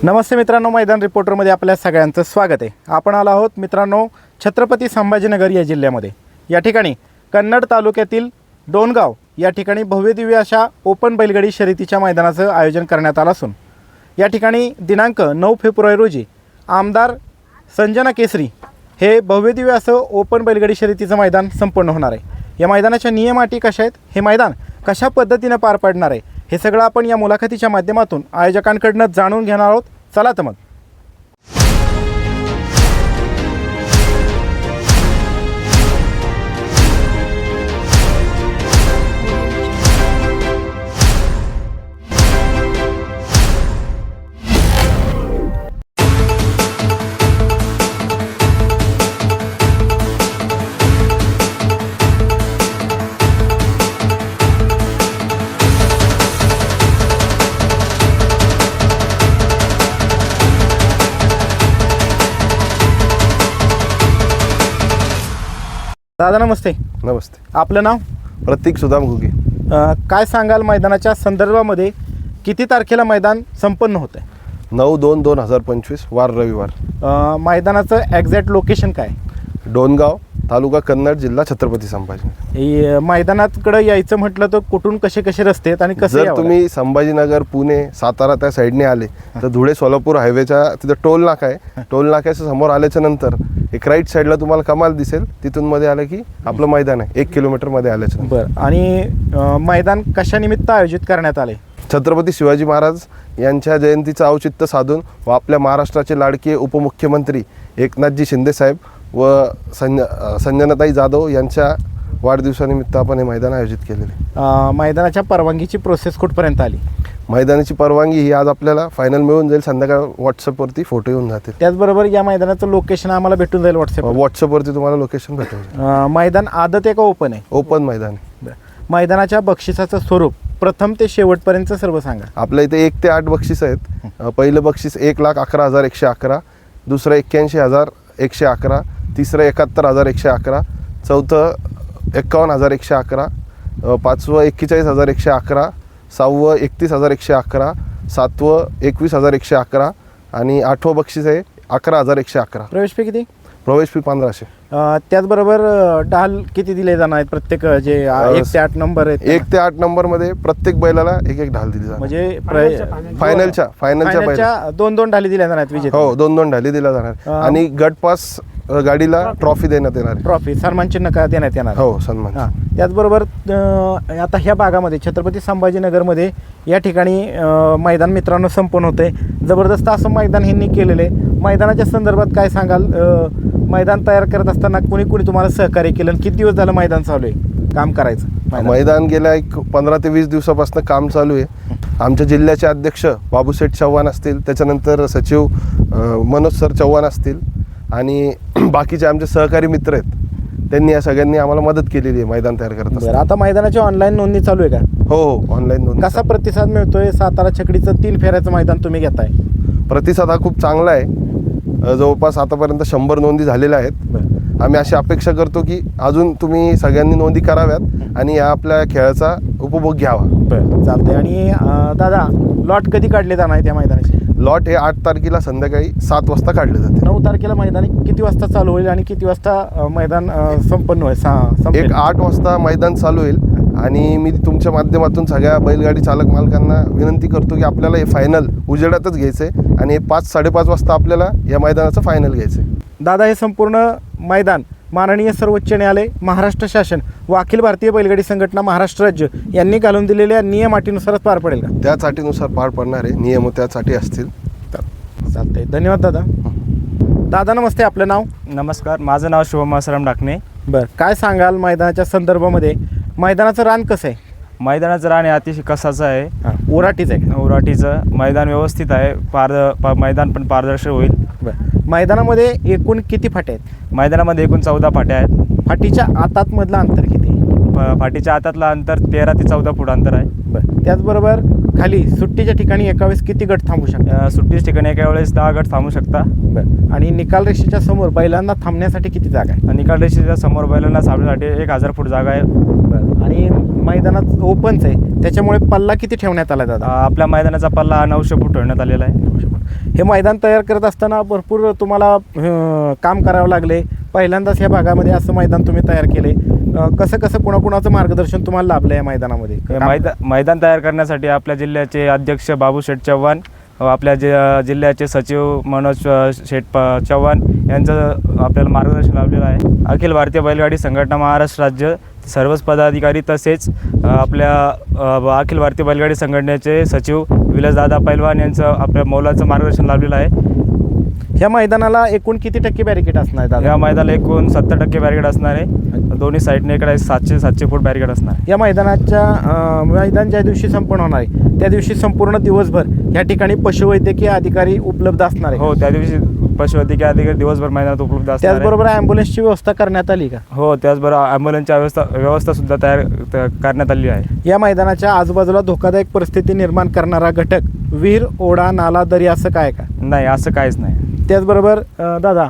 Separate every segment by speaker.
Speaker 1: नमस्ते मित्रांनो, मैदान रिपोर्टरमध्ये आपल्या सगळ्यांचं स्वागत आहे. आपण आलो आहोत मित्रांनो छत्रपती संभाजीनगर या जिल्ह्यामध्ये. या ठिकाणी कन्नड तालुक्यातील डोणगाव या ठिकाणी भव्यदिव्य अशा ओपन बैलगाडी शर्यतीच्या मैदानाचं आयोजन करण्यात आलं असून या ठिकाणी दिनांक 9 फेब्रुवारी रोजी आमदार संजना केसरी हे भव्यदिव्य असं ओपन बैलगाडी शर्यतीचं मैदान संपन्न होणार आहे. या मैदानाच्या नियम अटी कशा आहेत, हे मैदान कशा पद्धतीनं पार पडणार आहे, हे सगळं आपण या मुलाखतीच्या माध्यमातून आयोजकांकडून जाणून घेणार आहोत. चला तर मग. दादा नमस्ते.
Speaker 2: नमस्ते.
Speaker 1: आपलं नाव?
Speaker 2: प्रतीक सुदाम घुगे.
Speaker 1: काय सांगाल मैदानाच्या संदर्भामध्ये किती तारखेला मैदान संपन्न होतं आहे?
Speaker 2: 9/2/2025 वार रविवार.
Speaker 1: मैदानाचं एक्झॅक्ट लोकेशन काय?
Speaker 2: डोणगाव, तालुका कन्नड, जिल्हा छत्रपती संभाजी.
Speaker 1: मैदानाकडे यायचं म्हटलं तर कुठून कसे कसे रस्ते आहेत आणि कसं
Speaker 2: जर तुम्ही संभाजीनगर, पुणे, सातारा त्या साईडने आले तर धुळे सोलापूर हायवेच्या तिथं टोल नाका आहे. टोल नाक्याच्या समोर आल्याच्या नंतर एक राईट साईडला तुम्हाला कमाल दिसेल. तिथून मध्ये आलं की आपलं मैदान आहे. 1 किलोमीटरमध्ये आल्याच्या नंतर.
Speaker 1: बरं. आणि मैदान कशानिमित्त आयोजित करण्यात आले?
Speaker 2: छत्रपती शिवाजी महाराज यांच्या जयंतीचं औचित्य साधून व आपल्या महाराष्ट्राचे लाडके उपमुख्यमंत्री एकनाथजी शिंदेसाहेब व संजनाताई जाधव यांच्या वाढदिवसानिमित्त आपण हे मैदान आयोजित केलेले.
Speaker 1: मैदानाच्या परवानगीची प्रोसेस कुठपर्यंत आली?
Speaker 2: मैदानाची परवानगी ही आज आपल्याला फायनल मिळून जाईल. संध्याकाळ व्हॉट्सअपवरती फोटो येऊन जातील.
Speaker 1: त्याचबरोबर या मैदानाचं लोकेशन आम्हाला भेटून जाईल
Speaker 2: व्हॉट्सअपवरती तुम्हाला लोकेशन भेटेल.
Speaker 1: मैदान आदत आहे का ओपन आहे?
Speaker 2: ओपन मैदान आहे.
Speaker 1: मैदानाच्या बक्षिसाचं स्वरूप प्रथम ते शेवटपर्यंत सर्व सांगा.
Speaker 2: आपल्या इथे 1 ते 8 बक्षीस आहेत. पहिलं बक्षीस 1,11,111, दुसरं 81,111, तिसरं 71,111, चौथं 51,111, पाचवं 41,111, सहावं 31,111, सातवं 21,111 आणि 8वं बक्षीस आहे 11,111.
Speaker 1: प्रवेश फी किती?
Speaker 2: प्रवेश फी 1500.
Speaker 1: त्याचबरोबर ढाल किती दिले जाणार आहेत? प्रत्येक जे 1 ते 8 नंबर आहेत
Speaker 2: 1 ते 8 नंबरमध्ये प्रत्येक बैलाला एक ढाल दिली जाणार.
Speaker 1: म्हणजे
Speaker 2: फायनलच्या बैलाला
Speaker 1: 2 ढाली दिल्या जाणार आहेत विजेते.
Speaker 2: हो, 2 ढाली दिल्या जाणार. आणि गट पास गाडीला ट्रॉफी देण्यात येणार.
Speaker 1: ट्रॉफी सन्मान चिन्ह का देण्यात येणार?
Speaker 2: हो, सन्मान.
Speaker 1: त्याचबरोबर आता ह्या भागामध्ये छत्रपती संभाजीनगरमध्ये या ठिकाणी मैदान मित्रांनो संपन्न होते. जबरदस्त असं मैदान ह्यांनी केलेलं आहे. मैदानाच्या संदर्भात काय सांगाल? मैदान तयार करत असताना कुणी तुम्हाला सहकार्य केलं? किती दिवस झालं मैदान चालू आहे काम करायचं?
Speaker 2: मैदान गेल्या 15 ते 20 दिवसापासून काम चालू आहे. आमच्या जिल्ह्याचे अध्यक्ष बाबूशेठ चव्हाण असतील, त्याच्यानंतर सचिव मनोज सर चव्हाण असतील आणि बाकीचे आमचे सहकारी मित्र आहेत. त्यांनी या सगळ्यांनी आम्हाला मदत केलेली आहे मैदान तयार करत असताना.
Speaker 1: आता मैदानाची ऑनलाईन नोंदणी चालू आहे का?
Speaker 2: हो, ऑनलाईन नोंदणी.
Speaker 1: कसा प्रतिसाद मिळतोय? सातारा छकडीचं 3 फेऱ्याचं मैदान तुम्ही घेताय.
Speaker 2: प्रतिसाद हा खूप चांगला आहे. जवळपास आतापर्यंत 100 नोंदी झालेल्या आहेत. आम्ही अशी अपेक्षा करतो की अजून तुम्ही सगळ्यांनी नोंदी कराव्यात आणि या आपल्या खेळाचा उपभोग घ्यावा.
Speaker 1: बरं, चालतंय. आणि दादा, लॉट कधी काढले जाणार आहे त्या मैदानाचे?
Speaker 2: लॉट हे 8 तारखेला संध्याकाळी 7 वाजता काढले जाते.
Speaker 1: 9 तारखेला मैदान किती वाजता चालू होईल आणि किती वाजता मैदान संपन्न होईल?
Speaker 2: 8 वाजता मैदान चालू होईल. आणि मी तुमच्या माध्यमातून सगळ्या बैलगाडी चालक मालकांना विनंती करतो की आपल्याला हे फायनल उजेडातच घ्यायचं आहे आणि 5-5:30 वाजता आपल्याला या मैदानाचं फायनल घ्यायचं आहे.
Speaker 1: दादा, हे संपूर्ण मैदान माननीय सर्वोच्च न्यायालय, महाराष्ट्र शासन व अखिल भारतीय बैलगाडी संघटना महाराष्ट्र राज्य यांनी घालून दिलेल्या नियम अटीनुसारच पार पडेल का?
Speaker 2: त्याच अटीनुसार पार पडणार आहे. नियम त्यासाठी असतील.
Speaker 1: चालतंय. धन्यवाद दादा. दादा नमस्ते. आपलं नाव?
Speaker 3: नमस्कार, माझं नाव शुभम आसाराम डाकणे.
Speaker 1: बरं, काय सांगाल मैदानाच्या संदर्भामध्ये? मैदानाचं रान कसं आहे?
Speaker 3: मैदानाचं रान हे अतिशय कसाचं आहे.
Speaker 1: ओराटीचं आहे?
Speaker 3: ओराटीचं मैदान व्यवस्थित आहे. मैदान पण पारदर्शक होईल.
Speaker 1: बरं, मैदानामध्ये एकूण किती फाट्या आहेत?
Speaker 3: मैदानामध्ये एकूण 14 फाट्या आहेत.
Speaker 1: फाटीच्या आतातमधलं अंतर किती?
Speaker 3: फाटीच्या आतातलं अंतर 13 ते 14 फूट अंतर आहे.
Speaker 1: बरं, त्याचबरोबर खाली सुट्टीच्या ठिकाणी एका वेळेस किती गट थांबू शकतात?
Speaker 3: सुट्टीच्या ठिकाणी एका वेळेस 10 गट थांबू शकता.
Speaker 1: बरं, आणि निकाल रेषेच्या समोर बैलांना थांबण्यासाठी किती जागा आहे?
Speaker 3: निकाल रेषेच्या समोर बैलांना थांबण्यासाठी 1000 फूट जागा आहे.
Speaker 1: बरं, आणि मैदानात ओपनच आहे, त्याच्यामुळे पल्ला किती ठेवण्यात आला दादा?
Speaker 3: आपल्या मैदानाचा पल्ला 900 फूट ठेवण्यात आलेला आहे.
Speaker 1: हे मैदान तयार करत असताना भरपूर तुम्हाला काम करावं लागले. पहिल्यांदाच या भागामध्ये असं मैदान तुम्ही तयार केले. कसं कसं कुणाकुणाचं मार्गदर्शन तुम्हाला लाभलं या मैदानामध्ये?
Speaker 3: मैदान तयार करण्यासाठी आपल्या जिल्ह्याचे अध्यक्ष बाबूशेठ चव्हाण, आपल्या जिल्ह्याचे सचिव मनोज चव्हाण यांचं आपल्याला मार्गदर्शन लाभलेलं आहे. अखिल भारतीय बैलगाडी संघटना महाराष्ट्र राज्य सर्वच पदाधिकारी तसेच आपल्या अखिल भारतीय बैलगाडी संघटनेचे सचिव विलासदादा पैलवान यांचं आपल्या मौलाचं मार्गदर्शन लाभलेलं आहे.
Speaker 1: ह्या मैदानाला एकूण किती टक्के बॅरिकेड असणार आहे दादा?
Speaker 3: या मैदानाला एकूण 70% बॅरिकेड असणार आहे. दोन्ही साईडने इकडे 700 फूट बॅरिकेड असणार आहे.
Speaker 1: या मैदान ज्या दिवशी संपन्न होणार आहे त्या दिवशी संपूर्ण दिवसभर या ठिकाणी पशुवैद्यकीय अधिकारी उपलब्ध असणार आहे.
Speaker 3: हो, त्या दिवशी पशुवैद्यकीय अधिकारी दिवसभर मैदानात उपलब्ध असणार आहे.
Speaker 1: त्याचबरोबर ॲम्ब्युलन्सची व्यवस्था करण्यात आली का?
Speaker 3: हो, त्याचबरोबर ॲम्ब्युलन्सची व्यवस्था सुद्धा तयार करण्यात आली आहे.
Speaker 1: या मैदानाच्या आजूबाजूला धोकादायक परिस्थिती निर्माण करणारा घटक विहीर, ओढा, नाला, दरी असं काय का?
Speaker 3: नाही, असं काहीच नाही.
Speaker 1: त्याचबरोबर दादा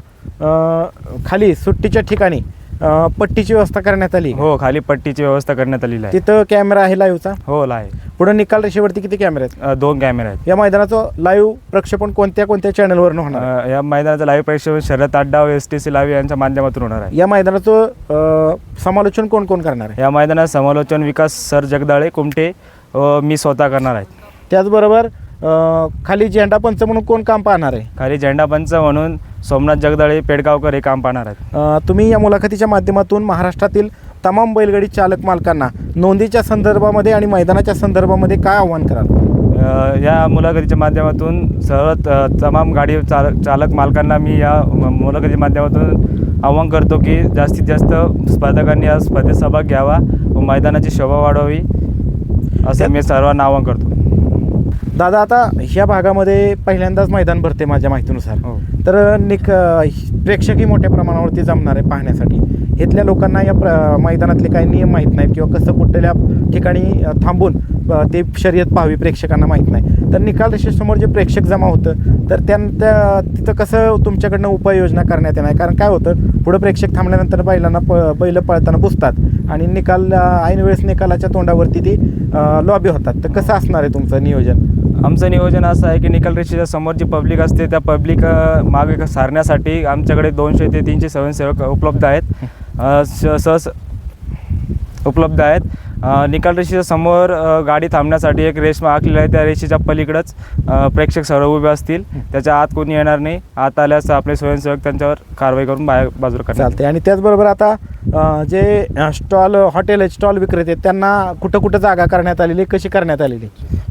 Speaker 1: खाली सुट्टीच्या ठिकाणी पट्टीची व्यवस्था करण्यात आली?
Speaker 3: हो, खाली पट्टीची व्यवस्था करण्यात आलेली आहे.
Speaker 1: तिथं कॅमेरा आहे लाईव्हचा?
Speaker 3: हो, आहे.
Speaker 1: पुढे निकाल रेषेवरती किती कॅमेरे आहेत?
Speaker 3: 2 कॅमेरे आहेत.
Speaker 1: या मैदानाचं लाईव्ह प्रक्षेपण कोणत्या कोणत्या चॅनलवरून होणार?
Speaker 3: या मैदानाचं लाईव्ह प्रक्षेपण शर्यत अड्डा STC लाईव्ह यांच्या माध्यमातून होणार आहे.
Speaker 1: या मैदानाचं समालोचन कोण कोण करणार आहे?
Speaker 3: या मैदानात समालोचन विकास सर जगदाळे कुमटे मी स्वतः करणार आहेत.
Speaker 1: त्याचबरोबर खाली झेंडा पंच म्हणून कोण काम पाहणार आहे?
Speaker 3: खाली झेंडा पंच म्हणून सोमनाथ जगदाळे पेडगावकर हे काम पाहणार आहेत.
Speaker 1: तुम्ही या मुलाखतीच्या माध्यमातून महाराष्ट्रातील तमाम बैलगाडी चालक मालकांना नोंदीच्या संदर्भामध्ये आणि मैदानाच्या संदर्भामध्ये काय आव्हान कराल?
Speaker 3: या मुलाखतीच्या माध्यमातून सर्व तमाम गाडी चालक मालकांना मी या मुलाखतीच्या माध्यमातून आवाहन करतो की जास्तीत जास्त स्पर्धकांनी या स्पर्धेत सहभाग घ्यावा व मैदानाची शोभा वाढवावी असं मी सर्वांना आवाहन करतो.
Speaker 1: दादा, आता ह्या भागामध्ये पहिल्यांदाच मैदान भरते माझ्या माहितीनुसार.
Speaker 3: हो.
Speaker 1: तर प्रेक्षकही मोठ्या प्रमाणावरती जमणार आहे पाहण्यासाठी. इथल्या लोकांना या मैदानातले काही नियम माहीत नाहीत किंवा कसं कुठल्या ठिकाणी थांबून ते शर्यत पाहावी प्रेक्षकांना माहीत नाही. तर निकाल रेषेसमोर जे प्रेक्षक जमा होतं तर तिथं कसं तुमच्याकडनं उपाययोजना करण्यात येणार? कारण काय होतं, पुढं प्रेक्षक थांबल्यानंतर बैल पळताना बुजतात आणि ऐन वेळेस निकालाच्या तोंडावरती ती लॉबी होतात. तर कसं असणार आहे तुमचं नियोजन?
Speaker 3: आमचं नियोजन असं आहे की निकाल रेषेच्या समोर जी पब्लिक असते त्या पब्लिक मागे सारण्यासाठी आमच्याकडे 200 ते 300 स्वयंसेवक उपलब्ध आहेत. उपलब्ध आहेत. निकाल रेषेच्या समोर गाडी थांबण्यासाठी एक रेष आखलेली आहे. त्या रेषेच्या पलीकडंच प्रेक्षक सर्व उभे असतील. त्याच्या आत कोणी येणार नाही. आत आल्यास आपले स्वयंसेवक त्यांच्यावर कारवाई करून बाजूला करतात.
Speaker 1: चालते. आणि त्याचबरोबर आता जे हॉटेल स्टॉल विक्रेते त्यांना कुठं कुठं जागा करण्यात आलेली, कशी करण्यात आलेली?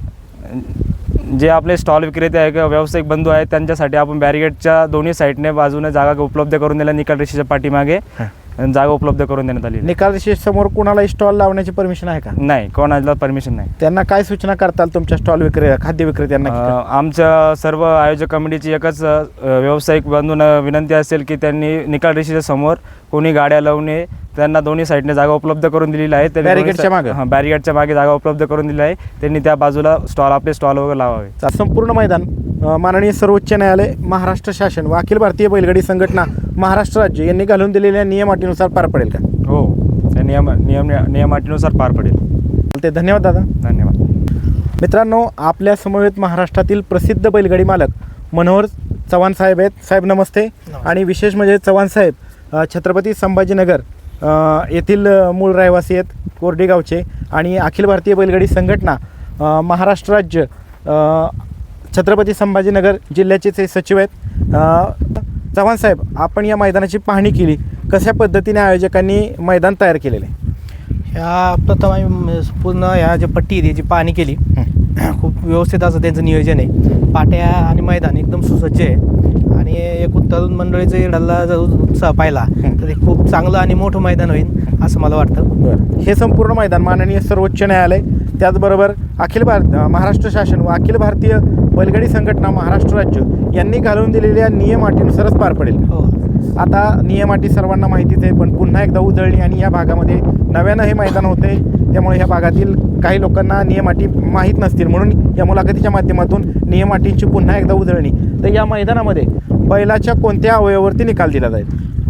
Speaker 3: जे आपले स्टॉल विक्रेते आहे किंवा व्यावसायिक बंधू आहेत त्यांच्यासाठी आपण बॅरिगेडच्या दोन्ही साईडने बाजूने जागा उपलब्ध करून दिल्या. निकाल रेषेच्या पाठीमागे जागा उपलब्ध करून देण्यात आली.
Speaker 1: निकाल समोर कुणाला स्टॉल लावण्याची परमिशन आहे का?
Speaker 3: नाही, कोणाला परमिशन नाही.
Speaker 1: त्यांना काय सूचना करताल तुमच्या स्टॉल खाद्य विक्रेत्यांना?
Speaker 3: आमच्या सर्व आयोजक कमिटीची एकच व्यावसायिक बंधूंना विनंती असेल की त्यांनी निकाल रेषेच्या समोर कोणी गाड्या लावणे, त्यांना दोन्ही साईडने जागा उपलब्ध करून दिलेली आहे. बॅरिगेडच्या मागे जागा उपलब्ध करून दिली आहे. त्यांनी त्या बाजूला आपले स्टॉल वगैरे लावावे.
Speaker 1: संपूर्ण मैदान माननीय सर्वोच्च न्यायालय, महाराष्ट्र शासन व अखिल भारतीय बैलगाडी संघटना महाराष्ट्र राज्य यांनी घालून दिलेल्या नियमाटीनुसार पार पडेल का?
Speaker 3: हो, त्या नियमाटीनुसार पार पडेल.
Speaker 1: ते धन्यवाद दादा.
Speaker 3: धन्यवाद.
Speaker 1: मित्रांनो, आपल्या समवेत महाराष्ट्रातील प्रसिद्ध बैलगाडी मालक मनोहर चव्हाण साहेब आहेत. साहेब नमस्ते. आणि विशेष म्हणजे चव्हाण साहेब छत्रपती संभाजीनगर येथील मूळ रहिवासी आहेत, कोरडी गावचे, आणि अखिल भारतीय बैलगाडी संघटना महाराष्ट्र राज्य छत्रपती संभाजीनगर जिल्ह्याचे ते सचिव आहेत. चव्हाण साहेब, आपण या मैदानाची पाहणी केली, कशा पद्धतीने आयोजकांनी मैदान तयार केलेले?
Speaker 4: ह्या प्रथम आम्ही पूर्ण ह्या जे पट्टी आहे त्याची पाहणी केली. खूप व्यवस्थित असं त्यांचं नियोजन आहे. पाट्या आणि मैदान एकदम सुसज्ज आहे आणि एकूण तरुण मंडळीचं इकडला जर उत्साह पाहिला तर ते खूप चांगलं आणि मोठं मैदान होईल असं मला वाटतं.
Speaker 1: हे संपूर्ण मैदान माननीय सर्वोच्च न्यायालय, त्याचबरोबर महाराष्ट्र शासन व अखिल भारतीय बैलगाडी संघटना महाराष्ट्र राज्य यांनी घालून दिलेल्या नियमाटीनुसारच पार पडेल.
Speaker 4: हो.
Speaker 1: आता नियमाटी सर्वांना माहितीच आहे, पण पुन्हा एकदा उजळणी आणि या भागामध्ये नव्यानं हे मैदान होते, त्यामुळे ह्या भागातील काही लोकांना नियमाटी माहीत नसतील, म्हणून या मुलाखतीच्या माध्यमातून नियमाटींची पुन्हा एकदा उजळणी. तर या मैदानामध्ये बैलाच्या कोणत्या अवयवावरती निकाल दिला जाईल?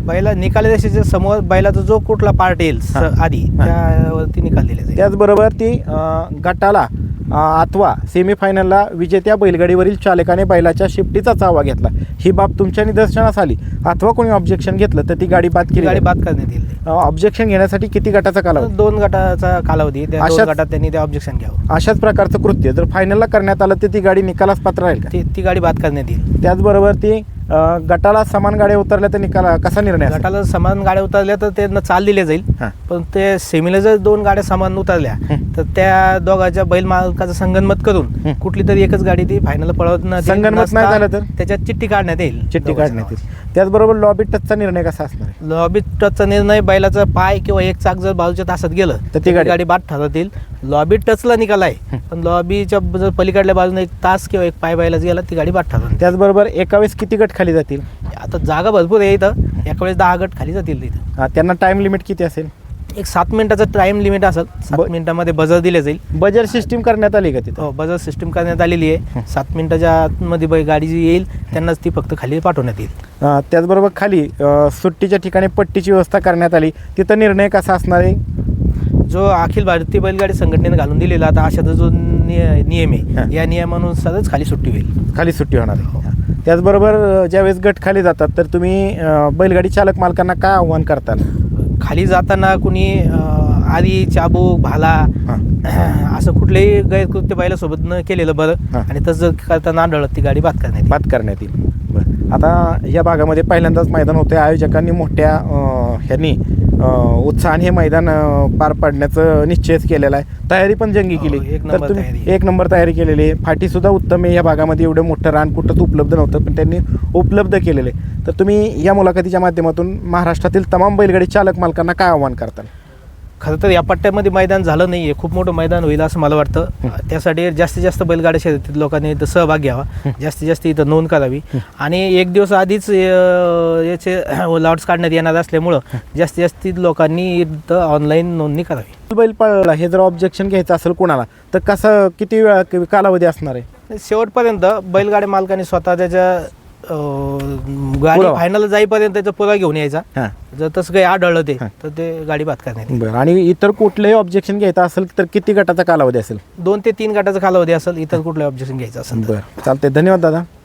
Speaker 4: बैला निकाल रेषेच्या समोर बैलाचा जो कुठला पार्ट येईल आधी त्यावरती निकाल दिले जाईल.
Speaker 1: त्याचबरोबर ती गटाला अथवा सेमीफायनलला विजेत्या बैलगाडीवरील चालकाने बैलाच्या शिफ्टीचा चावा घेतला, ही बाब तुमच्या निदर्शनास आली अथवा कोणी ऑब्जेक्शन घेतलं तर ती गाडी बाद केली
Speaker 4: गाडी बाद करण्यात येईल.
Speaker 1: ऑब्जेक्शन घेण्यासाठी किती गटाचा कालावधी?
Speaker 4: 2 गटाचा कालावधी, त्या 2
Speaker 1: अशाच-
Speaker 4: गटात त्यांनी ते ऑब्जेक्शन घ्यावं.
Speaker 1: अशाच प्रकारचं कृत्य जर फायनलला करण्यात आलं तर ती गाडी निकालास पात्र राहील का?
Speaker 4: ती गाडी बाद करण्यात येईल.
Speaker 1: त्याचबरोबर ती गटाला समान गाड्या उतरल्या तर निकाल कसा निर्णय असेल?
Speaker 4: गटाला समान गाड्या उतरल्या तर त्यांना चाल दिले जाईल.
Speaker 1: हां.
Speaker 4: पण ते सेमीला जर 2 गाड्या समान उतरल्या तर त्या दोघांच्या बैल मालकाचं संगनमत करून कुठली तरी एकच गाडी ती फायनल पळवत
Speaker 1: संगनमत नाही झालं तर?
Speaker 4: त्याच्यात चिठ्ठी काढण्यात येईल.
Speaker 1: चिठ्ठी काढण्यात येईल. त्याचबरोबर लॉबी टचचा निर्णय कसा असणार आहे?
Speaker 4: लॉबी टचचा निर्णय बैलाचा पाय किंवा एक चाक जर बाजूच्या तासात गेलं
Speaker 1: तर ती गाडी
Speaker 4: बाद ठरवता येईल. लॉबी टचला निकाल आहे, पण लॉबीच्या जर पलीकडल्या बाजूने 1 तास किंवा 1 पाय बैलाच गेला ती गाडी बाद ठरवून.
Speaker 1: त्याचबरोबर एका वेळेस किती गट खाली जातील?
Speaker 4: आता जागा भरपूर आहे इथं, एका वेळेस 10 गट खाली जातील तिथं.
Speaker 1: त्यांना टाइम लिमिट किती असेल?
Speaker 4: एक 7 मिनिटाचं टाइम लिमिट असेल. 7 मिनिटामध्ये बजर दिले जाईल.
Speaker 1: बजर सिस्टीम करण्यात आली का तिथं?
Speaker 4: हो, बजर सिस्टीम करण्यात आलेली आहे. 7 मिनिटाच्या आतमध्ये गाडी जी येईल त्यांनाच ती फक्त खाली पाठवण्यात येईल.
Speaker 1: त्याचबरोबर खाली सुट्टीच्या ठिकाणी पट्टीची व्यवस्था करण्यात आली, तिथं निर्णय कसा असणार आहे?
Speaker 4: जो अखिल भारतीय बैलगाडी संघटनेने घालून दिलेला आता अशाचा जो नियम आहे, या नियमानुसारच खाली सुट्टी होईल.
Speaker 1: खाली सुट्टी होणार आहे. त्याचबरोबर ज्यावेळेस गट खाली जातात तर तुम्ही बैलगाडी चालक मालकांना काय आव्हान करताल?
Speaker 4: खाली जाताना कुणी आधी चाबूक भाला असं कुठलेही गैरकृत्य बैलासोबत न केलेलं बरं. आणि तसं करताना आढळत ती गाडी बाद करण्यात येईल.
Speaker 1: बरं, आता या भागामध्ये पहिल्यांदाच मैदान होते. आयोजकांनी मोठ्या ह्यांनी उत्साहाने हे मैदान पार पाडण्याचं निश्चयच केलेला आहे. तयारी पण जंगी केली.
Speaker 4: एक
Speaker 1: तर
Speaker 4: नंबर
Speaker 1: तुम्ही
Speaker 4: तयारी.
Speaker 1: 1 नंबर तयारी केलेली आहे. फाटीसुद्धा उत्तम आहे. या भागामध्ये एवढं मोठं रान कुठंच उपलब्ध नव्हतं, पण त्यांनी उपलब्ध केलेलं आहे. तर तुम्ही या मुलाखतीच्या माध्यमातून महाराष्ट्रातील तमाम बैलगाडी चालक मालकांना काय आव्हान करताल?
Speaker 4: खरं तर या पट्ट्यामध्ये मैदान झालं नाही आहे, खूप मोठं मैदान होईल असं मला वाटतं. त्यासाठी जास्तीत जास्त बैलगाड्या शर्यतीत लोकांनी इथं सहभाग घ्यावा, जास्तीत जास्त इथं नोंद करावी. आणि 1 दिवस आधीच याचे लॉट्स काढण्यात येणार असल्यामुळं जास्तीत जास्त लोकांनी इथं ऑनलाईन नोंदणी करावी.
Speaker 1: बैल पळला हे जर ऑब्जेक्शन घ्यायचं असेल कोणाला तर कसं किती वेळा कालावधी असणार आहे?
Speaker 4: शेवटपर्यंत बैलगाडी मालकाने स्वतः त्याच्या गाडी
Speaker 1: पुरावा.
Speaker 4: फायनल जाईपर्यंत त्याचा पुरावा घेऊन यायचा.
Speaker 1: हां.
Speaker 4: जर तसं काही आढळलं तर ते गाडी बाद करण्यात येईल.
Speaker 1: बरं, आणि इतर कुठलंही ऑब्जेक्शन घ्यायचं असेल तर किती गटाचा कालावधी असेल?
Speaker 4: 2 ते 3 गटाचा कालावधी असेल. इतर कुठलं ऑब्जेक्शन घ्यायचं असेल तर.
Speaker 1: बरं, चालतंय. धन्यवाद दादा.